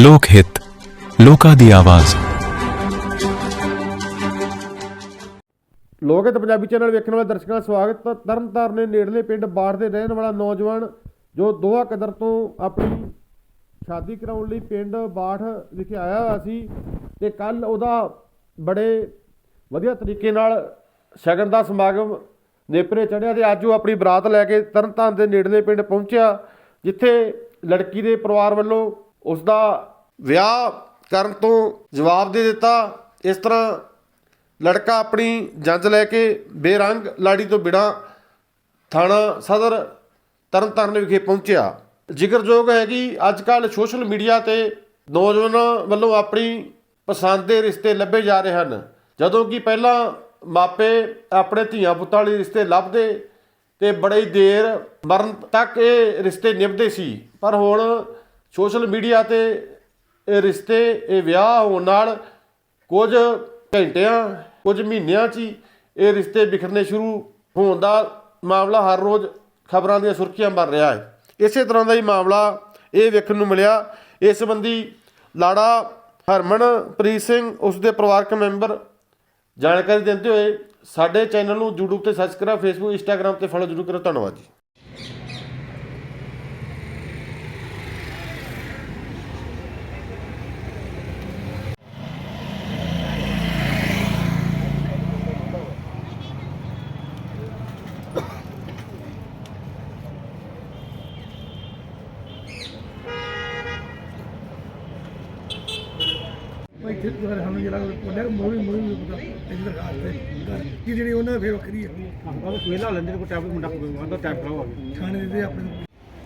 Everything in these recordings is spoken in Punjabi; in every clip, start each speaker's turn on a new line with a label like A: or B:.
A: ਲੋਕ ਹਿੱਤ, ਲੋਕਾਂ ਦੀ ਆਵਾਜ਼।
B: ਲੋਕ ਹਿੱਤ ਪੰਜਾਬੀ ਚੈਨਲ ਵੇਖਣ ਵਾਲੇ ਦਰਸ਼ਕਾਂ ਦਾ ਸਵਾਗਤ। ਤਰਨਤਾਰਨ ਦੇ ਨੇੜਲੇ ਪਿੰਡ ਬਾੜ ਦੇ ਰਹਿਣ ਵਾਲਾ ਨੌਜਵਾਨ ਜੋ ਦੋਹਾ ਕਦਰ ਤੋਂ ਆਪਣੀ ਸ਼ਾਦੀ ਕਰਾਉਣ ਲਈ ਪਿੰਡ ਬਾੜ ਵਿਖੇ ਆਇਆ ਹੋਇਆ ਸੀ ਤੇ ਕੱਲ ਉਹਦਾ ਬੜੇ ਵਧੀਆ ਤਰੀਕੇ ਨਾਲ ਸ਼ਗਨ ਦਾ ਸਮਾਗਮ ਨੇਪਰੇ ਚੜ੍ਹਿਆ ਤੇ ਅੱਜ ਉਹ ਆਪਣੀ ਬਰਾਤ ਲੈ ਕੇ ਤਰਨਤਾਰਨ ਦੇ ਨੇੜਲੇ ਪਿੰਡ ਪਹੁੰਚਿਆ, ਜਿੱਥੇ ਲੜਕੀ ਦੇ ਪਰਿਵਾਰ ਵੱਲੋਂ ਉਸ ਦਾ ਵਿਆਹ ਕਰਨ ਤੋਂ ਜਵਾਬ ਦੇ ਦਿੱਤਾ। ਇਸ ਤਰ੍ਹਾਂ ਲੜਕਾ ਆਪਣੀ ਜੰਜ ਲੈ ਕੇ ਬੇਰੰਗ ਲਾੜੀ ਤੋਂ ਬਿਨਾਂ ਥਾਣਾ ਸਦਰ ਤਰਨਤਾਰਨ ਵਿਖੇ ਪਹੁੰਚਿਆ। ਜ਼ਿਕਰਯੋਗ ਹੈ ਕਿ ਅੱਜ ਕੱਲ੍ਹ ਸੋਸ਼ਲ ਮੀਡੀਆ 'ਤੇ ਨੌਜਵਾਨਾਂ ਵੱਲੋਂ ਆਪਣੀ ਪਸੰਦ ਦੇ ਰਿਸ਼ਤੇ ਲੱਭੇ ਜਾ ਰਹੇ ਹਨ, ਜਦੋਂ ਕਿ ਪਹਿਲਾਂ ਮਾਪੇ ਆਪਣੇ ਧੀਆਂ ਪੁੱਤਾਂ ਲਈ ਰਿਸ਼ਤੇ ਲੱਭਦੇ ਤੇ ਬੜੀ ਦੇਰ ਮਰਨ ਤੱਕ ਇਹ ਰਿਸ਼ਤੇ ਨਿਭਦੇ ਸੀ। ਪਰ ਹੁਣ ਸੋਸ਼ਲ ਮੀਡੀਆ 'ਤੇ ਇਹ ਰਿਸ਼ਤੇ, ਇਹ ਵਿਆਹ ਹੋਣ ਨਾਲ ਕੁਝ ਘੰਟਿਆਂ ਕੁਝ ਮਹੀਨਿਆਂ 'ਚ ਹੀ ਇਹ ਰਿਸ਼ਤੇ ਬਿਖਰਨੇ ਸ਼ੁਰੂ ਹੋਣ ਦਾ ਮਾਮਲਾ ਹਰ ਰੋਜ਼ ਖਬਰਾਂ ਦੀਆਂ ਸੁਰਖੀਆਂ ਬਣ ਰਿਹਾ ਹੈ। ਇਸੇ ਤਰ੍ਹਾਂ ਦਾ ਹੀ ਮਾਮਲਾ ਇਹ ਵੇਖਣ ਨੂੰ ਮਿਲਿਆ। ਇਸ ਸੰਬੰਧੀ ਲਾੜਾ ਹਰਮਨਪ੍ਰੀਤ ਸਿੰਘ, ਉਸ ਦੇ ਪਰਿਵਾਰਕ ਮੈਂਬਰ ਜਾਣਕਾਰੀ ਦਿੰਦੇ ਹੋਏ ਸਾਡੇ ਚੈਨਲ ਨੂੰ YouTube ਤੇ ਸਬਸਕ੍ਰਾਈਬ, ਫੇਸਬੁੱਕ, ਇੰਸਟਾਗ੍ਰਾਮ ਤੇ ਫੋਲੋ ਜ਼ਰੂਰ ਕਰੋ। ਧੰਨਵਾਦ ਜੀ।
C: ਸਾਨੂੰ ਜਿਹੜਾ ਮੋਰੀ ਪਤਾ ਇੱਧਰ ਕੀ ਜਿਹੜੀ ਉਹਨਾਂ ਫੇਰ ਵੱਖਰੀ ਹੈ। ਉਹ ਵੇਲਾ ਲੈਂਦੇ ਕੋਈ ਟੈਬ ਮੁੰਡਾ ਕੋਈ ਟੈਬ ਕਰਾਓ ਥਾਣੇ ਦੇ ਆਪਣੇ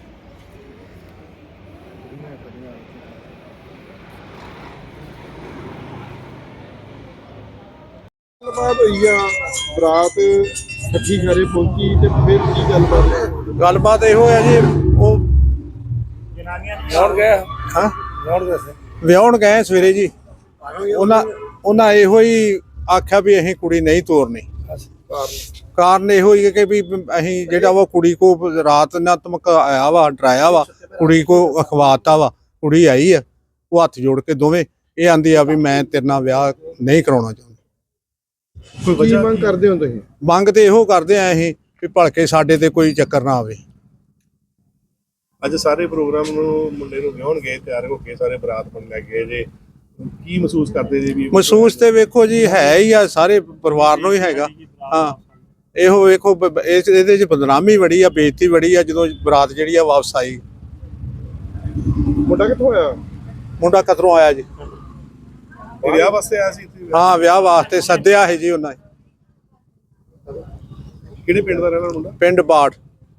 D: ਬਰਾਤ ਇਕੱਠੀ ਘਰੇ ਪਹੁੰਚੀ ਤੇ ਫਿਰ ਕੀ ਗੱਲਬਾਤ
E: ਇਹੋ ਹੈ ਜੀ, ਉਹ ਵਿਆਹਣ ਗਏ ਸਵੇਰੇ ਜੀ। ਉਹਨਾਂ ਇਹੋ ਹੀ ਆਖਿਆ ਵੀ ਅਸੀਂ ਕੁੜੀ ਨਹੀਂ ਤੋਰਨੀ। ਕਾਰਨ ਇਹੋ ਹੀ ਕਿ ਵੀ ਅਸੀਂ ਜਿਹੜਾ ਵਾ ਕੁੜੀ ਕੋ ਰਾਤ ਨਾ ਧਮਕਾਇਆ ਵਾ, ਡਰਾਇਆ ਵਾ, ਕੁੜੀ ਕੋ ਅਖਵਾਤਾ ਵਾ। ਕੁੜੀ ਆਈ ਆ, ਉਹ ਹੱਥ ਜੋੜ ਕੇ ਦੋਵੇਂ ਇਹ ਆਂਦੀ ਆ ਵੀ ਮੈਂ ਤੇਰੇ ਨਾਲ ਵਿਆਹ ਨਹੀਂ ਕਰਾਉਣਾ ਚਾਹੁੰਦੀ।
D: ਕੀ ਮੰਗ ਕਰਦੇ ਹੋ ਤੁਸੀਂ?
E: ਮੰਗ ਤੇ ਇਹੋ ਕਰਦੇ ਆ ਅਸੀਂ ਵੀ ਭਲਕੇ ਸਾਡੇ ਤੇ ਕੋਈ ਚੱਕਰ ਨਾ ਆਵੇ।
D: ਅੱਜ ਸਾਰੇ ਪ੍ਰੋਗਰਾਮ ਨੂੰ ਮੁੰਡੇ ਨੂੰ ਵਿਆਹਣ ਗਏ, ਤਿਆਰ ਹੋ ਕੇ ਸਾਰੇ ਬਰਾਤ ਬਣ ਲੈ ਗਏ ਜੇ, ਕੀ ਮਹਿਸੂਸ ਕਰਦੇ ਜੀ? ਵੀ
E: ਮਹਿਸੂਸ ਤੇ ਵੇਖੋ ਜੀ ਹੈ ਹੀ ਆ, ਸਾਰੇ ਪਰਿਵਾਰ ਨੂੰ ਹੀ ਹੈਗਾ। ਹਾਂ, ਇਹੋ ਵੇਖੋ ਇਹਦੇ 'ਚ ਬਦਨਾਮੀ ਬੜੀ ਆ, ਬੇਇੱਜ਼ਤੀ ਬੜੀ ਆ। ਜਦੋਂ ਬਰਾਤ ਜਿਹੜੀ ਆ ਵਾਪਸ ਆਈ।
D: ਮੁੰਡਾ ਕਿੱਥੋਂ ਆਇਆ?
E: ਮੁੰਡਾ ਕਤਰੋਂ ਆਇਆ ਜੀ।
D: ਵਿਆਹ ਵਾਸਤੇ ਆਇਆ ਸੀ?
E: ਹਾਂ, ਵਿਆਹ ਵਾਸਤੇ ਸੱਦਿਆ ਹੈ ਜੀ ਉਹਨਾਂ ਨੇ।
D: ਕਿਹੜੇ ਪਿੰਡ ਦਾ ਰਹਿਣਾ ਮੁੰਡਾ?
E: ਪਿੰਡ ਬਾੜ,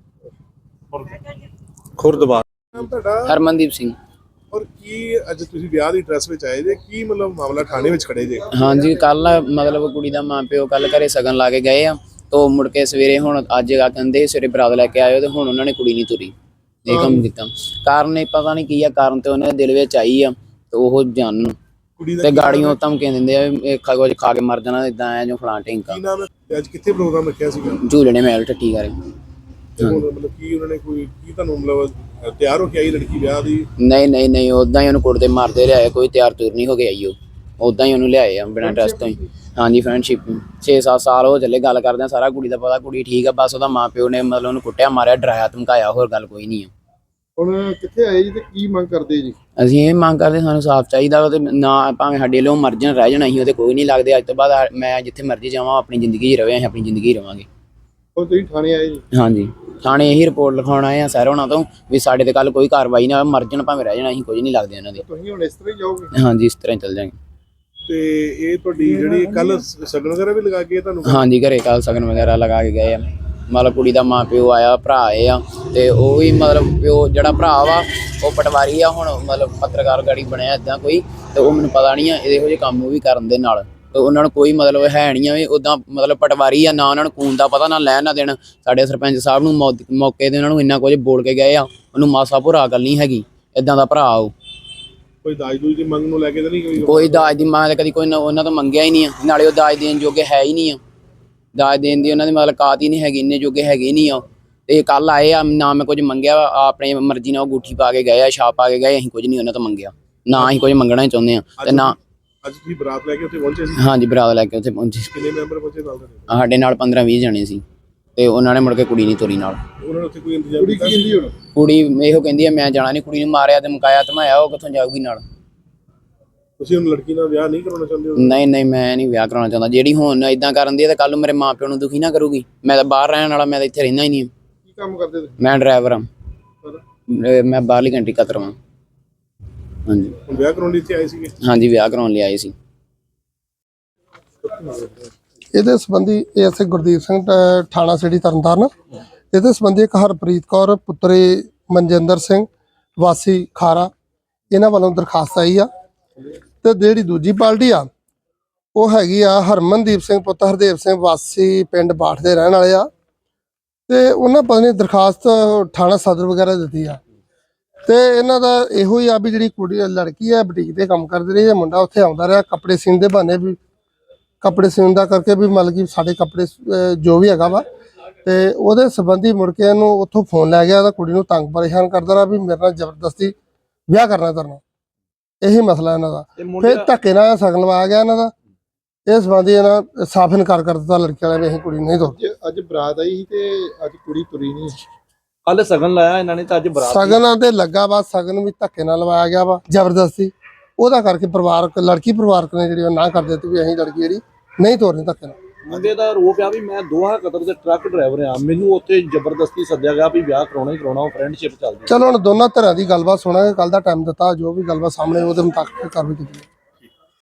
E: ਖੁਰਦਬਾੜ।
D: ਨਾਮ ਤੁਹਾਡਾ?
F: ਹਰਮਨਦੀਪ ਸਿੰਘ।
D: ਔਰ ਕੀ ਅੱਜ ਤੁਸੀਂ ਵਿਆਹ ਦੀ ਡਰੈਸ ਵਿੱਚ ਆਏ ਜੇ, ਕੀ ਮਤਲਬ ਮਾਮਲਾ ਥਾਣੇ ਵਿੱਚ ਖੜੇ ਜੇ?
F: ਹਾਂਜੀ, ਕੱਲ ਮਤਲਬ ਕੁੜੀ ਦਾ ਮਾਂ ਪਿਓ ਕੱਲ ਘਰੇ ਸਗਨ ਲਾ ਕੇ ਗਏ ਆ, ਤੋ ਮੁੜ ਕੇ ਸਵੇਰੇ ਹੁਣ ਅੱਜ ਕਹਿੰਦੇ ਸਵੇਰੇ ਬਰਾਤ ਲੈ ਕੇ ਆਇਓ, ਤੇ ਹੁਣ ਉਹਨਾਂ ਨੇ ਕੁੜੀ ਨਹੀਂ ਤੁਰੀ। ਇਹ ਕੰਮ ਕੀਤਾ ਕਾਰਨ ਇਹ ਪਤਾ ਨਹੀਂ ਕੀ ਆ, ਕਾਰਨ ਤੇ ਉਹਨਾਂ ਦੇ ਦਿਲ ਵਿੱਚ ਆਈ ਆ ਤੇ ਉਹ ਜਾਣਨ ਤੇ ਗਾੜੀਆਂ ਧਮਕੀਆਂ ਦਿੰਦੇ ਆ ਇਹ ਕੁਝ ਖਾ ਕੇ ਮਰ ਜਾਣਾ, ਇਦਾਂ ਆ ਜੋ ਫਲਾਂ ਢਿੰਕਾ।
D: ਕੀ ਨਾਮ ਹੈ? ਅੱਜ ਕਿੱਥੇ ਪ੍ਰੋਗਰਾਮ ਰੱਖਿਆ ਸੀਗਾ?
F: ਝੂਲਣੇ ਮਹਿਲ ਠੱਠੀ ਕਰੇ।
D: ਮਤਲਬ ਕੀ ਉਹਨਾਂ ਨੇ ਕੋਈ ਕੀ ਤੁਹਾਨੂੰ ਮਤਲਬ ਤਿਆਰ ਹੋ ਕੇ ਆਈ ਲੜਕੀ ਵਿਆਹ ਦੀ?
F: ਨਹੀਂ ਉਦਾਂ ਹੀ ਉਹਨੂੰ ਕੁੱਟਦੇ ਮਾਰਦੇ ਲਿਆਏ, ਕੋਈ ਤਿਆਰ ਤੁਰ ਨਹੀਂ ਹੋ ਕੇ ਆਈ। ਉਹ ਉਦਾਂ ਹੀ ਉਹਨੂੰ ਲਿਆਏ ਆ ਬਿਨਾਂ ਟੈਸਟ ਤੋਂ ਹੀ। ਹਾਂਜੀ, ਫਰੈਂਡਸ਼ਿਪ 6-7 ਸਾਲ ਹੋ ਚੱਲੇ ਗੱਲ ਕਰਦੇ ਆ, ਸਾਰਾ ਕੁੜੀ ਦਾ ਪਤਾ, ਕੁੜੀ ਠੀਕ ਆ। ਬਸ ਉਹਦਾ ਮਾਂ ਪਿਓ ਨੇ ਮਤਲਬ ਉਹਨੂੰ ਕੁੱਟਿਆ ਮਾਰਿਆ, ਡਰਾਇਆ ਧਮਕਾਇਆ, ਹੋਰ ਗੱਲ ਕੋਈ ਨਹੀਂ ਆ।
D: ਹੁਣ ਕਿੱਥੇ ਆਏ ਜੀ ਤੇ ਕੀ ਮੰਗ ਕਰਦੇ ਜੀ?
F: ਅਸੀਂ ਇਹ ਮੰਗ ਕਰਦੇ, ਸਾਨੂੰ ਸਾਫ਼ ਚਾਹੀਦਾ ਵਾ ਤੇ ਨਾ ਭਾਵੇਂ ਸਾਡੇ ਵੱਲੋਂ ਮਰ ਜਾਣ ਰਹਿ ਜਾਣ, ਅਸੀਂ ਉਹਦੇ ਕੋਈ ਨਹੀਂ ਲੱਗਦੇ। ਅੱਜ ਤੋਂ ਬਾਅਦ ਮੈਂ ਜਿੱਥੇ ਮਰਜ਼ੀ ਜਾਵਾਂ, ਆਪਣੀ ਜ਼ਿੰਦਗੀ 'ਚ ਰਵੇ, ਅਸੀਂ ਆਪਣੀ ਜ਼ਿੰਦਗੀ 'ਚ ਰਵਾਂਗੇ।
D: ਹੁਣ ਤੁਸੀਂ ਥਾਣੇ ਆਏ ਜੀ?
F: ਹਾਂਜੀ, ਥਾਣੇ ਇਹੀ ਰਿਪੋਰਟ ਲਿਖਾਉਣ ਆਏ ਆ ਸਰ ਹੋਣਾ ਤੋਂ ਵੀ ਸਾਡੇ ਤੇ ਕੱਲ ਕੋਈ ਕਾਰਵਾਈ ਨਾ, ਮਰ ਜਾਣ ਭਾਵੇਂ ਰਹਿ ਜਾਣ, ਅਸੀਂ ਕੁਝ ਨਹੀਂ ਲੱਗਦੇ ਉਹਨਾਂ ਦੇ।
D: ਤੁਸੀਂ ਹੁਣ ਇਸ ਤਰ੍ਹਾਂ ਹੀ ਜਾਓਗੇ?
F: ਹਾਂਜੀ, ਇਸ ਤਰ੍ਹਾਂ ਹੀ ਚੱਲ ਜਾਵਾਂਗੇ।
D: ਤੇ ਇਹ ਤੁਹਾਡੀ ਜਿਹੜੀ ਕੱਲ ਸਗਨ ਵਗੈਰਾ ਵੀ ਲਗਾ ਕੇ ਤੁਹਾਨੂੰ?
F: ਹਾਂਜੀ, ਘਰੇ ਕੱਲ ਸਗਨ ਵਗੈਰਾ ਲਗਾ ਕੇ ਗਏ ਆ। ਮਤਲਬ ਕੁੜੀ ਦਾ ਮਾਂ ਪਿਓ ਆਇਆ, ਭਰਾ ਆਏ ਆ, ਤੇ ਉਹ ਵੀ ਮਤਲਬ ਪਿਓ ਜਿਹੜਾ ਭਰਾ ਵਾ ਉਹ ਪਟਵਾਰੀ ਆ, ਹੁਣ ਮਤਲਬ ਪੱਤਰਕਾਰ ਗਾੜੀ ਬਣਿਆ ਇੱਦਾਂ ਕੋਈ, ਤੇ ਉਹ ਮੈਨੂੰ ਪਤਾ ਨਹੀਂ ਆ ਇਹੋ ਜਿਹੇ ਕੰਮ ਉਹ ਵੀ ਕਰਨ ਦੇ ਨਾਲ। ਤੇ ਉਹਨਾਂ ਨੂੰ ਕੋਈ ਮਤਲਬ ਹੈ ਨਹੀਂ ਆ ਵੀ ਉੱਦਾਂ ਮਤਲਬ ਪਟਵਾਰੀ ਆ, ਨਾ ਉਹਨਾਂ ਨੂੰ ਖੂਨ ਦਾ ਪਤਾ, ਨਾ ਲੈਣ ਨਾ ਦੇਣ। ਸਾਡੇ ਸਰਪੰਚ ਸਾਹਿਬ ਨੂੰ ਮੌਕੇ 'ਤੇ ਉਹਨਾਂ ਨੂੰ ਇੰਨਾ ਕੁਝ ਬੋਲ ਕੇ ਗਏ ਆ, ਉਹਨੂੰ ਮਾਸਾ ਭੁਰਾ ਗੱਲ ਨਹੀਂ ਹੈਗੀ, ਇੱਦਾਂ ਦਾ ਭਰਾ ਉਹ।
D: ਕੋਈ ਦਾਜ ਦੂਜ ਦੀ ਮੰਗ ਨੂੰ ਲੈ ਕੇ ਤਾਂ ਨਹੀਂ?
F: ਕੋਈ ਦਾਜ ਦੀ ਮੰਗ ਕਦੀ ਕੋਈ ਉਹਨਾਂ ਤੋਂ ਮੰਗਿਆ ਹੀ ਨਹੀਂ ਆ, ਨਾਲੇ ਉਹ ਦਾਜ ਦੇਣ ਜੋਗੇ ਹੈ ਹੀ ਨਹੀਂ ਆ। ਦਾਜ ਦੇਣ ਦੀ ਉਹਨਾਂ ਦੀ ਮਤਲਬ ਕਾਤ ਹੀ ਨਹੀਂ ਹੈਗੀ, ਇੰਨੇ ਜੋਗੇ ਹੈਗੇ ਹੀ ਨਹੀਂ ਆ। ਤੇ ਕੱਲ ਆਏ ਆ, ਨਾ ਮੈਂ ਕੁਝ ਮੰਗਿਆ, ਆਪਣੇ ਮਰਜ਼ੀ ਨਾਲ ਉਹ ਅੰਗੂਠੀ ਪਾ ਕੇ ਗਏ ਆ, ਛਾਪ ਪਾ ਕੇ ਗਏ, ਅਸੀਂ ਕੁਝ ਨਹੀਂ ਉਹਨਾਂ ਤੋਂ ਮੰਗਿਆ। ਨਾ ਅਸੀਂ ਕੁਝ ਮੰਗਣਾ ਹੀ ਚਾਹੁੰਦੇ ਆ ਤੇ ਨਾ
D: ਅੱਜ ਤੁਸੀਂ ਬਰਾਤ ਲੈ ਕੇ ਉੱਥੇ ਪਹੁੰਚੇ ਸੀ,
F: ਹਾਂਜੀ ਬਰਾਤ ਲੈ ਕੇ ਉੱਥੇ ਪਹੁੰਚੇ।
D: ਕਿੰਨੇ ਮੈਂਬਰ ਪਹੁੰਚੇ ਨਾਲ ਦੇ?
F: ਸਾਡੇ ਨਾਲ 15-20 ਜਣੇ ਸੀ ਤੇ ਉਹਨਾਂ ਨੇ ਮੁੜ ਕੇ ਕੁੜੀ ਨਹੀਂ ਤੋਰੀ ਨਾਲ।
D: ਉਹਨਾਂ ਨੇ ਉੱਥੇ ਕੋਈ ਇੰਤਜ਼ਾਮ ਕੀਤਾ?
F: ਕੁੜੀ ਇਹੋ ਕਹਿੰਦੀ ਆ ਮੈਂ ਜਾਣਾ ਨਹੀਂ, ਕੁੜੀ ਨੂੰ ਮਾਰਿਆ ਤੇ ਮੁਕਾਇਆ ਧਮਾਇਆ, ਉਹ ਕਿੱਥੋਂ ਜਾਊਗੀ ਨਾਲ।
D: ਤੁਸੀਂ ਹੁਣ ਲੜਕੀ ਨਾਲ ਵਿਆਹ ਨਹੀਂ ਕਰਾਉਣਾ ਚਾਹੁੰਦੇ ਹੋ?
F: ਨਹੀਂ ਨਹੀਂ ਮੈਂ ਨਹੀਂ ਵਿਆਹ ਕਰਾਉਣਾ ਚਾਹੁੰਦਾ। ਜਿਹੜੀ ਹੁਣ ਇਦਾਂ ਕਰਨ ਦੀ ਹੈ ਤਾਂ ਕੱਲ ਨੂੰ ਮੇਰੇ ਮਾਪਿਓ ਨੂੰ ਦੁਖੀ ਨਾ ਕਰੂਗੀ। ਮੈਂ ਤਾਂ ਬਾਹਰ ਰਹਿਣ ਵਾਲਾ, ਮੈਂ ਤਾਂ ਇੱਥੇ ਰਹਿੰਦਾ ਹੀ ਨਹੀਂ।
D: ਕੀ ਕੰਮ ਕਰਦੇ ਤੁਸੀਂ?
F: ਮੈਂ ਡਰਾਈਵਰ ਹਾਂ, ਮੈਂ ਬਾਹਰਲੀ ਕੰਟਰੀ ਕਤਰ ਹਾਂ। ਹਾਂਜੀ
D: ਹੁਣ ਵਿਆਹ ਕਰਾਉਣ ਲਈ ਇੱਥੇ ਆਏ ਸੀਗੇ?
F: ਹਾਂਜੀ ਵਿਆਹ ਕਰਾਉਣ ਲਈ ਆਏ ਸੀ।
G: ਇਹਦੇ ਸੰਬੰਧੀ ਐਸਏ ਗੁਰਦੀਪ ਸਿੰਘ ਥਾਣਾ ਸਿਟੀ ਤਰਨਤਾਰਨ, ਇਹਦੇ ਸੰਬੰਧੀ ਇੱਕ ਹਰਪ੍ਰੀਤ ਕੌਰ ਪੁੱਤਰੀ ਮਨਜਿੰਦਰ ਸਿੰਘ ਵਾਸੀ ਖਾਰਾ, ਇਹਨਾਂ ਵੱਲੋਂ ਦਰਖਾਸਤ ਆਈ ਆ। ਤੇ ਜਿਹੜੀ ਦੂਜੀ ਪਾਰਟੀ ਆ ਉਹ ਹੈਗੀ ਆ ਹਰਮਨਦੀਪ ਸਿੰਘ ਪੁੱਤਰ ਹਰਦੇਵ ਸਿੰਘ ਵਾਸੀ ਪਿੰਡ ਬਾਠ ਦੇ ਰਹਿਣ ਵਾਲੇ ਆ। ਤੇ ਉਹਨਾਂ ਪਤਾ ਨਹੀਂ ਦਰਖਾਸਤ ਥਾਣਾ ਸਦਰ ਵਗੈਰਾ ਦਿੱਤੀ ਆ। ਤੇ ਇਹਨਾਂ ਦਾ ਇਹੋ ਹੀ ਆ ਵੀ ਜਿਹੜੀ ਕੁੜੀ ਲੜਕੀ ਆ ਬੁਟੀਕ ਤੇ ਕੰਮ ਕਰਦੀ ਰਹੀ ਹੈ, ਮੁੰਡਾ ਉੱਥੇ ਆਉਂਦਾ ਰਿਹਾ ਕੱਪੜੇ ਸੀਨ ਦੇ ਬਹਾਨੇ, ਵੀ ਕੱਪੜੇ ਸੀਨ ਦਾ ਕਰਕੇ ਵੀ ਮਤਲਬ ਕਿ ਸਾਡੇ ਕੱਪੜੇ ਜੋ ਵੀ ਹੈਗਾ ਵਾ। ਤੇ ਉਹਦੇ ਸੰਬੰਧੀ ਮੁੜ ਕੇ ਇਹਨੂੰ ਉੱਥੋਂ ਫੋਨ ਲੈ ਗਿਆ ਤਾਂ ਕੁੜੀ ਨੂੰ ਤੰਗ ਪਰੇਸ਼ਾਨ ਕਰਦਾ ਰਿਹਾ ਵੀ ਮੇਰੇ ਨਾਲ ਜ਼ਬਰਦਸਤੀ ਵਿਆਹ ਕਰਨਾ। ਇਹੀ ਮਸਲਾ ਇਹਨਾਂ ਦਾ। ਫਿਰ ਧੱਕੇ ਨਾਲ ਸ਼ਗਨ ਲਵਾਇਆ ਗਿਆ ਇਹਨਾਂ ਦਾ। ਇਸ ਸੰਬੰਧੀ ਇਹਨਾਂ ਸਾਫ਼ ਇਨਕਾਰ ਕਰ ਦਿੱਤਾ ਲੜਕੀ ਵਾਲਿਆਂ ਨੇ, ਅਸੀਂ ਕੁੜੀ ਨਹੀਂ ਤੋਰਦੇ।
H: ਅੱਜ ਬਰਾਤ ਆਈ ਸੀ ਤੇ ਅੱਜ ਕੁੜੀ ਤੁਰੀ ਨਹੀਂ। ਕੱਲ ਸਗਨ ਲਾਇਆ ਇਹਨਾਂ ਨੇ ਤਾਂ ਅੱਜ ਬਰਾਤ
G: ਸ਼ਗਨਾਂ ਤੇ ਲੱਗਾ ਵਾ, ਸ਼ਗਨ ਵੀ ਧੱਕੇ ਨਾਲ ਲਵਾਇਆ ਗਿਆ ਵਾ ਜ਼ਬਰਦਸਤੀ। ਉਹਦਾ ਕਰਕੇ ਲੜਕੀ ਪਰਿਵਾਰਕ ਨੇ ਜਿਹੜੀ ਉਹ ਨਾ ਕਰ ਦਿੱਤੀ ਵੀ ਅਸੀਂ ਲੜਕੀ ਜਿਹੜੀ ਨਹੀਂ ਤੋਰਨੀ ਧੱਕੇ ਨਾਲ।
H: ਮੁੰਡੇ ਦਾ ਆਰੋਪ ਆ ਵੀ ਮੈਂ ਦੋਹਾ ਕਤਰ ਦੇ ਟਰੱਕ ਡਰਾਈਵਰ ਆ, ਮੈਨੂੰ ਉੱਥੇ ਜ਼ਬਰਦਸਤੀ ਸੱਦਿਆ ਗਿਆ ਵੀ ਵਿਆਹ ਕਰਾਉਣਾ ਹੀ ਕਰਾਉਣਾ, ਉਹ ਫਰੈਂਡਸ਼ਿਪ ਚੱਲਦੀ।
G: ਚਲੋ ਹੁਣ ਦੋਨਾਂ ਧਿਰਾਂ ਦੀ ਗੱਲਬਾਤ ਸੁਣਾਂਗੇ, ਕੱਲ ਦਾ ਟਾਈਮ ਦਿੱਤਾ, ਜੋ ਵੀ ਗੱਲਬਾਤ ਸਾਹਮਣੇ ਉਹਦੇ ਮੁਤਾਬਕ ਕਾਰਵਾਈ ਕੀਤੀ ਜਾਵੇ।